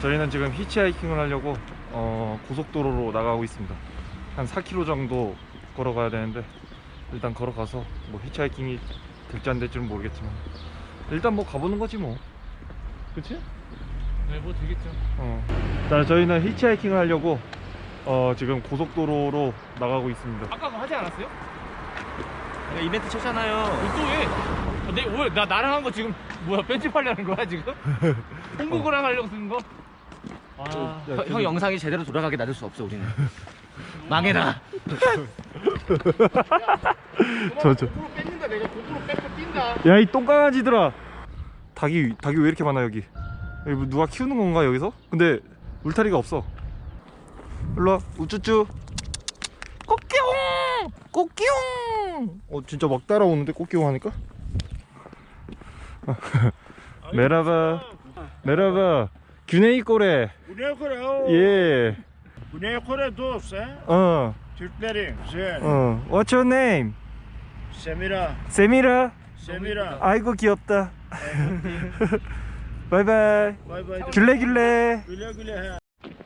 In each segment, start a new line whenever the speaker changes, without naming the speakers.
저희는 지금 히치하이킹을 하려고 고속도로로 나가고 있습니다. 한 4km 정도 걸어가야 되는데 일단 걸어가서 뭐 히치하이킹이 될지 안 될지는 모르겠지만 일단 뭐 가보는 거지 뭐. 그치?
네, 뭐 되겠죠.
자, 저희는 히치하이킹을 하려고 지금 고속도로로 나가고 있습니다.
아까 그거 하지 않았어요?
내가 이벤트 쳤잖아요.
또 왜? 왜 나랑 한 거 지금 뭐야? 편집하려는 거야 지금? 홍보거랑 하려고 쓰는 거? 아,
형 영상이 제대로 돌아가게 놔둘 수 없어 우리는. 망해라.
저.
고프로 뺏는다. 내가 고프로 뺏고 뛴다.
야, 이 똥강아지들아. 닭이 왜 이렇게 많아 여기? 여기 뭐 누가 키우는 건가 여기서? 근데 울타리가 없어. 일로와 우쭈쭈. 꽃기용 꽃기용. 진짜 막 따라오는데 꽃기용 하니까. 메라바 메라바 Güney Kore.
Güney Kore o.
예.
Güney Kore dost he. Türklerin güzel.
What's your name?
Semira.
세미라.
Semira.
아이고 귀엽다. 바이바이.
Bay bay.
귤레.
Güle güle he.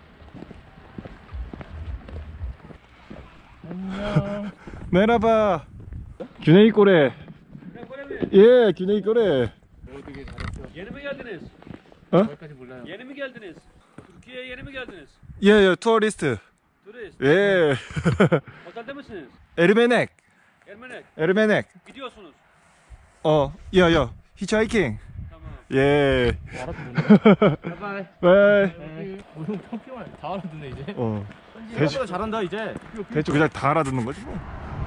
메라바. Güney Kore. 예, Güney Kore.
되게 잘했어.
Yeni mi geldiniz?
거기까지 몰라요.
Yeni mi geldiniz? Türkiye'ye yeni mi geldiniz?
예, 투어리스트.
Turist.
예.
Otelde misiniz?
에르메넥.
Ermenek.
에르메넥.
Gidiyorsunuz.
야. 히치하이킹.
Tamam.
예.
바이바이.
바이.
오늘 평평한 다 알아듣네 이제.
대충
잘한다 이제.
대충 그냥 다 알아듣는 거지 뭐.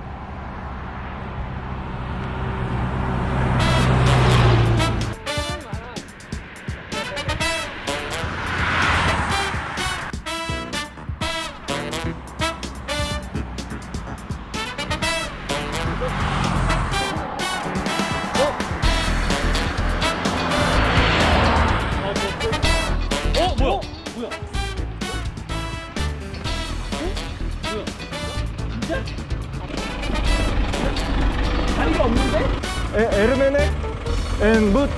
뭐야?
다리가 없는데?
에르메넥 앤 뭇.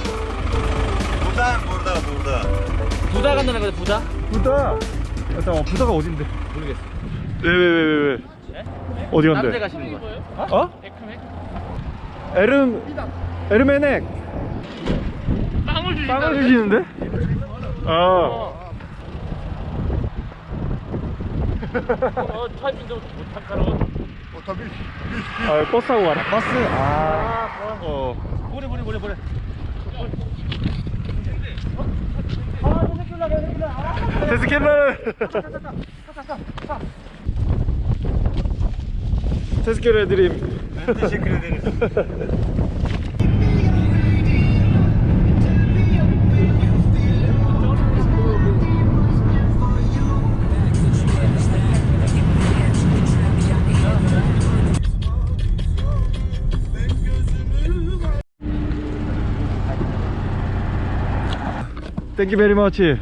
부다 간다는 거지 부다?
부다. 잠깐만, 부다가 어딘데?
모르겠어.
왜? 어디
다른 데
간대?
가시는 거야?
어?
에크맥?
에르메넥.
빵을 주신다.
빵을 주시는데?
타이핑도 못할까로.
버스 타고 가라. 버스.
보내.
테스케르 해드림. 땡큐 베리 머치.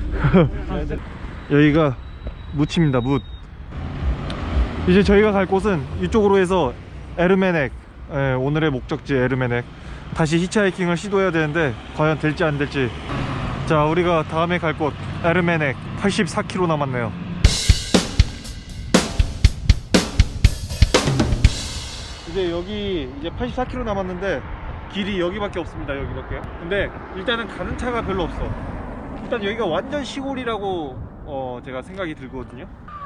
여기가 묻입니다. 묻. 이제 저희가 갈 곳은 이쪽으로 해서 에르메넥, 오늘의 목적지 에르메넥, 다시 히치하이킹을 시도해야 되는데 과연 될지 안 될지. 자, 우리가 다음에 갈 곳 에르메넥 84km 남았네요. 이제 여기 이제 84km 남았는데 길이 여기밖에 없습니다. 여기밖에. 근데 일단은 가는 차가 별로 없어. 일단 여기가 완전 시골이라고 제가 생각이 들거든요.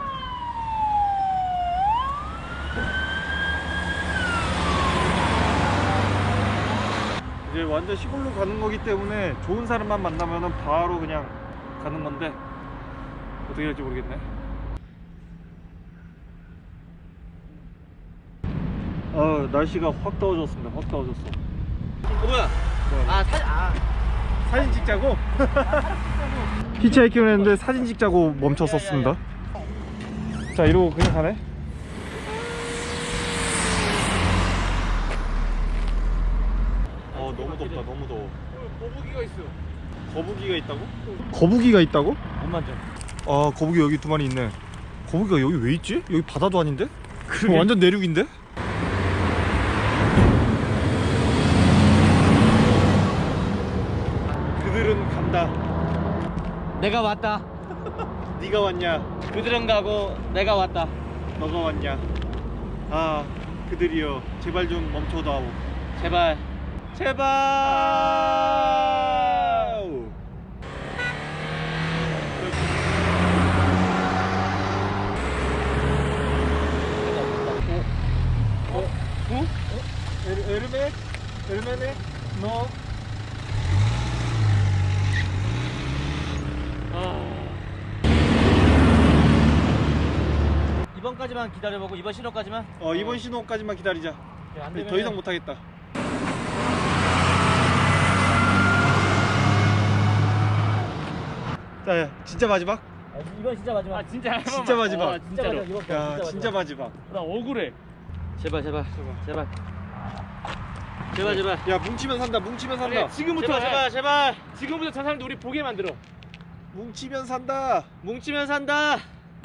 이제 완전 시골로 가는 거기 때문에 좋은 사람만 만나면은 바로 그냥 가는 건데 어떻게 될지 모르겠네. 날씨가 확 더워졌습니다. 확 더워졌어.
뭐야?
사진 찍자고? 히치하이킹을 했는데 사진 찍자고 멈췄었습니다. 자, 이러고 그냥 가네. 너무 덥다. 너무 더워.
거북이가 있어.
거북이가 있다고? 거북이가 있다고?
못 만져.
거북이 여기 두 마리 있네. 거북이가 여기 왜 있지? 여기 바다도 아닌데? 완전 내륙인데? 그들은 간다.
내가 왔다.
네가 왔냐?
그들은 가고 내가 왔다.
너가 왔냐? 아, 그들이여, 제발 좀 멈춰다오.
제발. 제발.
에르메네? 너?
이번까지만 기다려보고 이번 신호까지만.
이번 신호까지만 기다리자. 더 이상 못하겠다. 자, 진짜 마지막?
이번 진짜 마지막.
진짜
진짜 마지막.
진짜로.
이번 거,
야, 진짜 마지막.
나 억울해.
제발.
야, 뭉치면 산다. 뭉치면 산다.
그래, 지금부터
제발.
지금부터 저 사람들 우리 보게 만들어.
뭉치면 산다.
뭉치면 산다.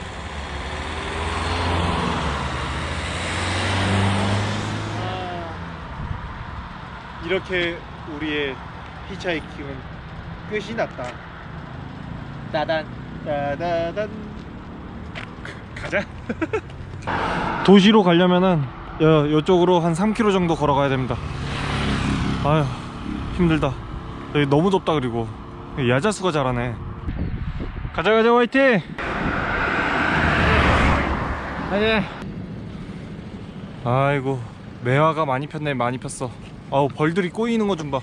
이렇게 우리의 히치하이킹은 끝이 났다.
따단.
따다단. 가자. 도시로 가려면은 이쪽으로 한 3km 정도 걸어가야 됩니다. 아휴, 힘들다. 여기 너무 덥다. 그리고 야자수가 잘하네. 가자 화이팅. 아이고, 매화가 많이 폈네. 많이 폈어. 아우, 벌들이 꼬이는 거 좀 봐.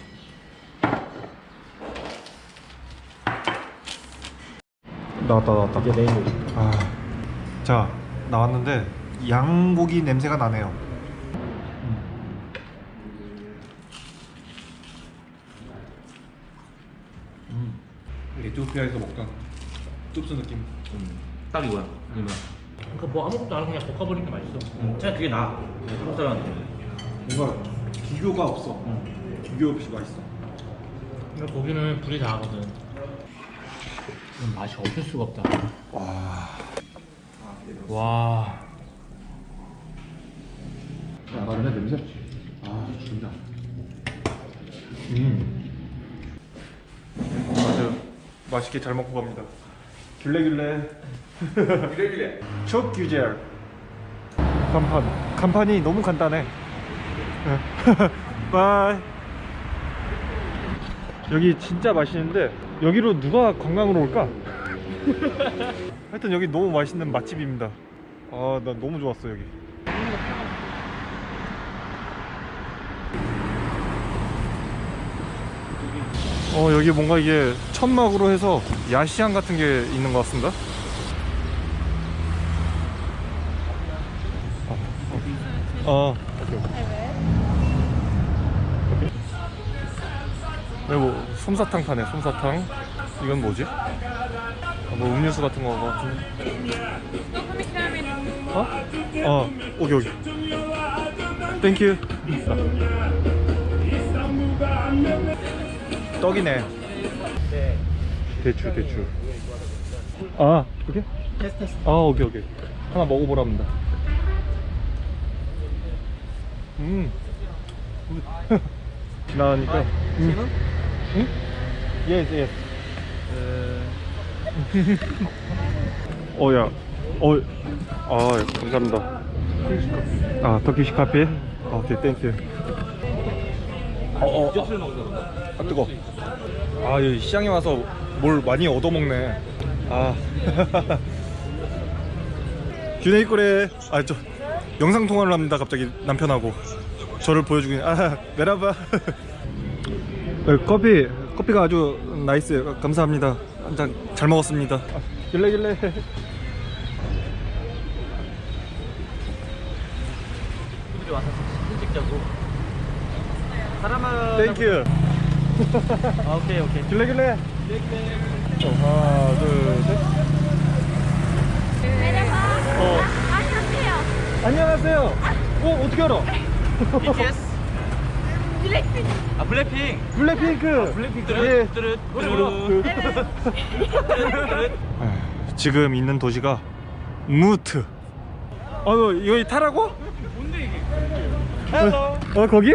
나왔다.
이게 메인 요리.
자, 나왔는데 양고기 냄새가 나네요. 에티오피아에서 먹던 뚝스 느낌.
딱 이거야.
그러니까 뭐 아무것도 안 하고 그냥 볶아버리는 게 맛있어.
진짜 그게 나아. 한국 사람한테.
뭔가 비교가 없어. 비교 없이 맛있어.
근데 고기는 불이 다하거든. 맛이 없을 수가 없다. 와.
나가네 냄새. 죽인다. 아주 맛있게 잘 먹고 갑니다. 귤레. 촉규젤. 간판이 너무 간단해. 바이. 여기 진짜 맛있는데 여기로 누가 관광으로 올까? 하여튼 여기 너무 맛있는 맛집입니다. 나 너무 좋았어 여기. 여기 뭔가 이게 천막으로 해서 야시장 같은 게 있는 것 같습니다. 오케이. 여기 뭐 솜사탕 파네. 솜사탕. 이건 뭐지? 뭐 음료수 같은 거 같은데. 오케이. 땡큐. 떡이네. 대추. 오케이? 오케이. 하나 먹어보랍니다. 지나가니까. 응? Yes. 감사합니다. 터키시 카페. 오케이, 땡큐. 뜨거. 여기 시장에 와서 뭘 많이 얻어먹네. 균에이꼬레. 저 영상 통화를 합니다. 갑자기 남편하고 저를 보여주고 있는. 메라바. 커피가 아주 나이스. 감사합니다. 한 잔 잘 먹었습니다. 길래.
우리 와서 사진 찍자고. 사람은.
땡큐.
오케이.
길래. 하나, 둘, 셋. 안녕하세요. 어떻게 알아?
BTS? 블랙핑.
블랙핑크. 예. 지금 있는 도시가 무트. 여기 타라고?
뭔데 이게?
거기?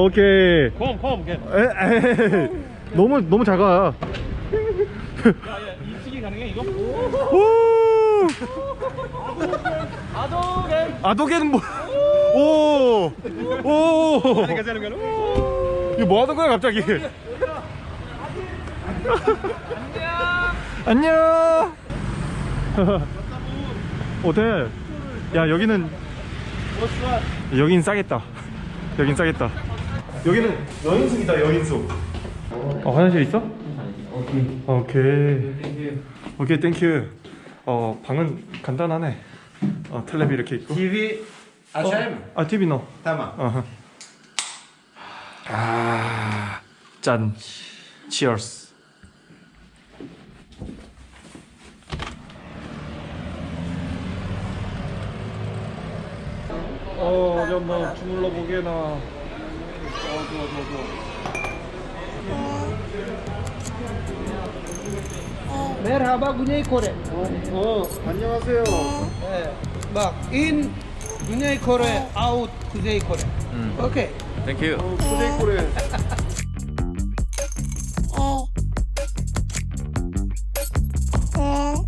오케이.
컴.
너무 작아.
가능해 이거?
오! 아도게는 뭐? 오! 오! 이거 뭐 하는 거야 갑자기? 안녕. 호텔. 야 여기는 여긴 싸겠다. 여긴 싸겠다. 여기는 여인숙이다 여인숙. 화장실 있어? 오케이 땡큐. 방은 간단하네. 텔레비 이렇게 있고.
TV aşağıya mı?
TV 넣어.
Tamam.
짠. Cheers. 어디 한번 주물러 보게나.
Merhaba Güney Kore.
안녕하세요.
Bak in Güney Kore, out Kuzey Kore. Okay.
땡큐.
코데이코레.
에